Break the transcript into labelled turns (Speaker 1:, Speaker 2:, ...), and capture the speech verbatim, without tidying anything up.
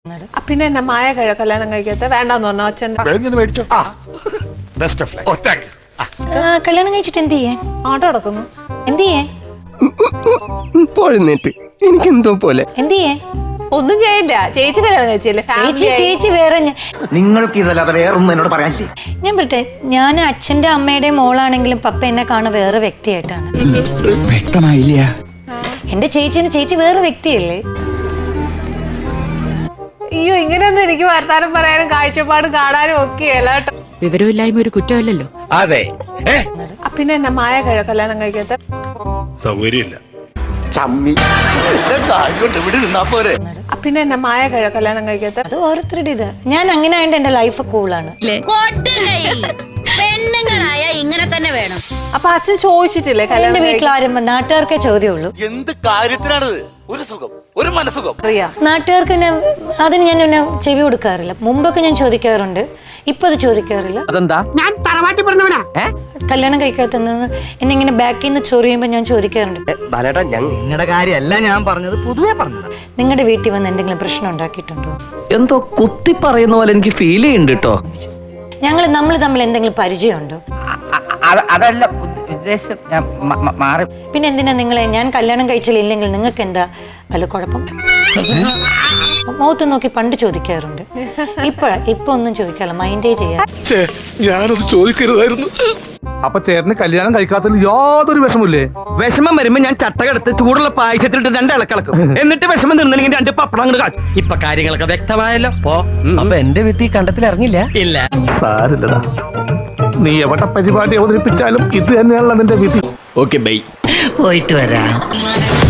Speaker 1: പിന്നെ എന്നെ മായ കഴി കല്യാണം കഴിക്കാത്ത വേണ്ടെന്ന് പറഞ്ഞു അച്ഛൻ.
Speaker 2: കല്യാണം കഴിച്ചിട്ട് എന്ത് ചെയ്യേ?
Speaker 1: ആട്ടോ നടക്കുന്നു.
Speaker 2: എന്ത് ചെയ്യേ?
Speaker 3: പോഴുന്നിട്ട് എനിക്കെന്തോ പോലെ.
Speaker 2: എന്ത് ചെയ്യേ?
Speaker 1: ഒന്നും ചെയ്യില്ല. ചേച്ചി കല്യാണം കഴിച്ചില്ലേ?
Speaker 2: ചേച്ചി ചേച്ചി വേറെ.
Speaker 4: നിങ്ങൾക്ക് ഇതല്ലാതെ വേറൊന്നും എന്നോട് പറയാനില്ലേ?
Speaker 2: ഞാൻ പറട്ടെ, ഞാൻ അച്ഛന്റെ അമ്മയുടെ മോളാണെങ്കിലും പപ്പ എന്നെ കാണുന്ന വേറെ വ്യക്തിയായിട്ടാണ്.
Speaker 3: വ്യക്തമായില്ല.
Speaker 2: എന്റെ ചേച്ചിന് ചേച്ചി വേറെ വ്യക്തിയല്ലേ?
Speaker 1: അയ്യോ, ഇങ്ങനെയൊന്നും എനിക്ക് വർത്താനം പറയാനും കാഴ്ചപ്പാടും കാണാനും ഒക്കെയല്ല കേട്ടോ.
Speaker 5: വിവരമില്ലായ്മ ഒരു കുറ്റമല്ലല്ലോ.
Speaker 6: അതെ.
Speaker 1: പിന്നെ എന്നെ മായ കഴി കല്യാണം കഴിക്കാത്ത
Speaker 6: സൗകര്യമില്ല.
Speaker 1: പിന്നെ എന്നെ മായ കഴി കല്യാണം കഴിക്കാത്ത
Speaker 2: അത് ഓരോരുത്തരുടെ ഇത്. ഞാൻ അങ്ങനെ ആയിട്ട് എന്റെ ലൈഫ് കൂളാണ്.
Speaker 5: പെണ്ണുങ്ങളായ ഇങ്ങനെ തന്നെ വേണം.
Speaker 1: അപ്പൊ അച്ഛൻ ചോദിച്ചിട്ടില്ലേ
Speaker 2: എന്റെ
Speaker 1: കല്യാണം
Speaker 2: വീട്ടിൽ ആരും നാട്ടുകാർക്കേ ചോദ്യമുള്ളൂ.
Speaker 6: എന്ത് കാര്യത്തിനാണത്? ഒരു സുഖം, ഒരു മനസുഖം.
Speaker 2: നാട്ടുകാർക്ക് പിന്നെ അതിന് ഞാൻ പിന്നെ ചെവി കൊടുക്കാറില്ല. മുമ്പൊക്കെ ഞാൻ ചോദിക്കാറുണ്ട്, ഇപ്പൊ അത് ചോദിക്കാറില്ല.
Speaker 4: അതെന്താ?
Speaker 5: ഞാൻ തറവാട്ടി പറഞ്ഞവനാ.
Speaker 2: കല്യാണം കഴിക്കാത്തെന്ന് എന്നെ ഇങ്ങനെ ബാക്കിൽ നിന്ന് ചൊറിയുമ്പോ ഞാൻ ചോദിക്കാറുണ്ട്,
Speaker 4: ബാലേട്ടാ, നിങ്ങളുടെ കാര്യമല്ല ഞാൻ പറഞ്ഞത്, പൊതുവെ പറഞ്ഞത്.
Speaker 2: നിങ്ങളുടെ വീട്ടിൽ വന്ന് എന്തെങ്കിലും പ്രശ്നം ഉണ്ടാക്കിയിട്ടുണ്ടോ?
Speaker 4: എന്തോ കുത്തി പറയുന്ന പോലെ എനിക്ക് ഫീൽ ചെയ്യുന്നുണ്ട് കേട്ടോ.
Speaker 2: ഞങ്ങൾ നമ്മൾ തമ്മിൽ എന്തെങ്കിലും പരിചയമുണ്ടോ?
Speaker 4: അതല്ല ഉദ്ദേശം, ഞാൻ മാറി.
Speaker 2: പിന്നെ എന്തിനാ നിങ്ങളെ ഞാൻ കല്യാണം കഴിച്ചില്ലെങ്കിൽ നിങ്ങൾക്ക് എന്താ വല്ല കുഴപ്പം? മുഖത്ത് നോക്കി പണ്ട് ചോദിക്കാറുണ്ട്, ഇപ്പൊ ഇപ്പൊ ഒന്നും ചോദിക്കാറില്ല, മൈൻഡേ ചെയ്യാ.
Speaker 6: ഞാനത് ചോദിക്കരുതായിരുന്നു.
Speaker 7: അപ്പൊ ചേട്ടന് കല്യാണം കഴിക്കാത്തതിൽ യാതൊരു വിഷമില്ലേ?
Speaker 4: വിഷമം വരുമ്പോ ഞാൻ ചട്ടകെടുത്ത് ചൂടുള്ള പായസത്തിലിട്ട് രണ്ട് ഇളക്കിളക്കും. എന്നിട്ട് വിഷമം നിന്നില്ലെങ്കിൽ രണ്ട് പപ്പടം അങ്ങോട്ട് കാച്ചും.
Speaker 3: ഇപ്പൊ കാര്യങ്ങളൊക്കെ വ്യക്തമായല്ലോ. പോ. അപ്പൊ എന്റെ വിത്ത് ഈ കണ്ടത്തിൽ ഇറങ്ങില്ല. ഇല്ല.
Speaker 7: സാരില്ലടാ, നീ എവിടെ പരിപാടി അവതരിപ്പിച്ചാലും ഇത് തന്നെയാണല്ലോ നിന്റെ വിധി.
Speaker 3: Okay bye. പോയിട്ട് വരാം.